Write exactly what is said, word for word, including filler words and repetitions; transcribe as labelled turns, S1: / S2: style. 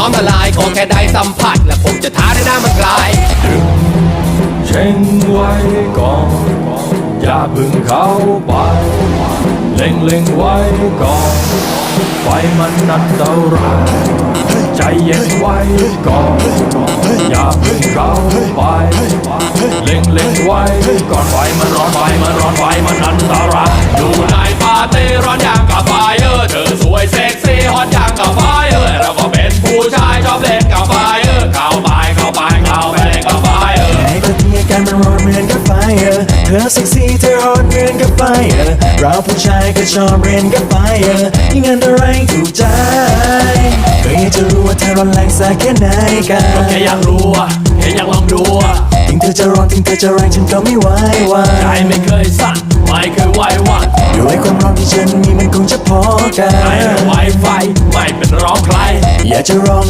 S1: น้อมละลายขอแค่ได้สัมผัสและผมจะท้าได้หน้ามันกลาย
S2: เช่งไว้ก่อนอย่าเพึ่งเข้าไปเล็งเล็งไว้ก่อนไฟมันอันตรายใจเย็นไว้ก่อนอย่าเพึ่งเข้าไปเล็งเล็งไว้ก่อนไฟมันร้อนไฟมันร้อนไฟมันอันตราย
S1: อยู่ในปาร์ตี้ร้อนอย่างกับไฟเออเธอสวยเซ็กซี่ฮอตอย่างกับไฟเออเราก็เป็นผู้ชายชอบเล่นกับไฟเออเข้าไปเข้าไปเข้าไปเล่นกับไฟเออ
S3: ไอ้คนที่อาการมันร้อนเหมือนกับไฟเออเธอเซ็กซี่เธอฮอตเหมือนกับไฟเออเราผู้ชายก็ชอบเรียนกับไฟเออยิ่งอันตรายถูกใจก็อยากจะรู้ว่าเธอร้อนแรงสักแค่ไหนกัน
S2: ก็แค่อยากรู้อะแค่อยากลองดูอะ
S3: ถึงเธอจะร้อนถึงเธอจะแรงฉันก็ไม่ไหววา
S2: ใจไม่เคยสั่นไม่เคยไหวหวั่น
S3: ด้วยความร้อนที่ฉันมีมันคงจะพอกัน
S2: ไม่ไหวไฟไม่เป็นร้องใคร
S3: อยากจะลอง